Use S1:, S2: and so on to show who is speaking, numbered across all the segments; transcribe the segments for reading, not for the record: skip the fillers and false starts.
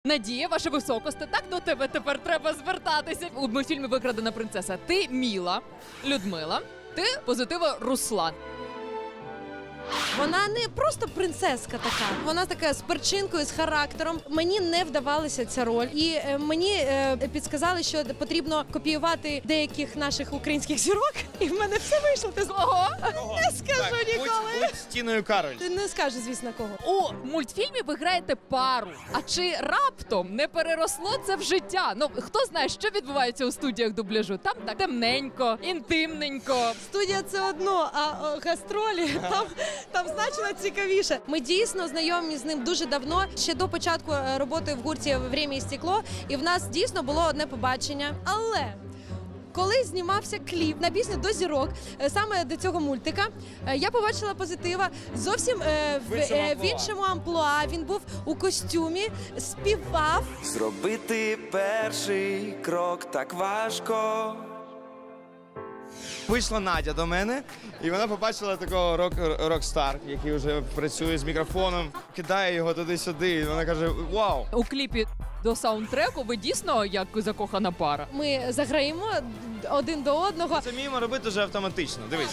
S1: Надія, ваша високосте, так до тебе тепер треба звертатися. У мультфільмі «Викрадена принцеса» ти Міла, Людмила, ти Позитива Руслан.
S2: Вона не просто принцеска така, вона така з перчинкою, з характером. Мені не вдавалася ця роль. І мені підсказали, що потрібно копіювати деяких наших українських зірок. І в мене все вийшло. Ти кого? Не скажу ніколи.
S3: Будь Тіною Кароль.
S2: Ти не скажеш, звісно, кого.
S1: У мультфільмі ви граєте пару. А чи раптом не переросло це в життя? Ну, хто знає, що відбувається у студіях дубляжу? Там так темненько, інтимненько.
S2: Студія – це одно, а гастролі там значно цікавіше. Ми дійсно знайомі з ним дуже давно, ще до початку роботи в гурті «Время і стекло», і в нас дійсно було одне побачення. Але коли знімався кліп на пісню «До зірок», саме до цього мультика, я побачила Позитива зовсім в іншому амплуа. Він був у костюмі, співав.
S4: Зробити перший крок так важко.
S3: Вийшла Надя до мене, і вона побачила такого рок-стар, який вже працює з мікрофоном, кидає його туди-сюди, і вона каже: «Вау!»
S1: У кліпі до саундтреку ви дійсно як закохана пара?
S2: Ми заграємо один до одного.
S3: Це вміємо робити вже автоматично. Дивись.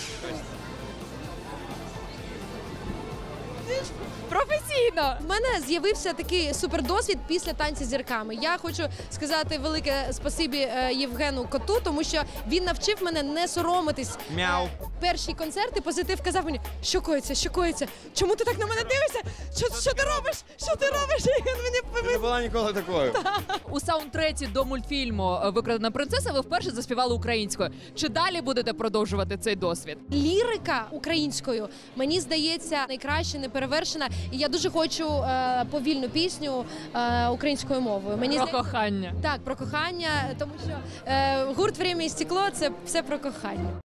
S1: Професійно!
S2: У мене з'явився такий супердосвід після «Танці з зірками». Я хочу сказати велике спасибі Євгену Коту, тому що він навчив мене не соромитись.
S3: Мяу.
S2: Перші концерти Позитив казав мені: що коїться? Чому ти так на мене дивишся? Що ти робиш? Що ти робиш? І він
S3: Ти
S2: мені
S3: не була ніколи такою.
S1: У саундтреці до мультфільму «Викрадена принцеса» ви вперше заспівали українською. Чи далі будете продовжувати цей досвід?
S2: Лірика українською, мені здається, найкраще, неперевершена. І я дуже хочу повільну пісню українською мовою.
S1: Про кохання.
S2: Так, про кохання, тому що гурт «Время і стекло» – це все про кохання.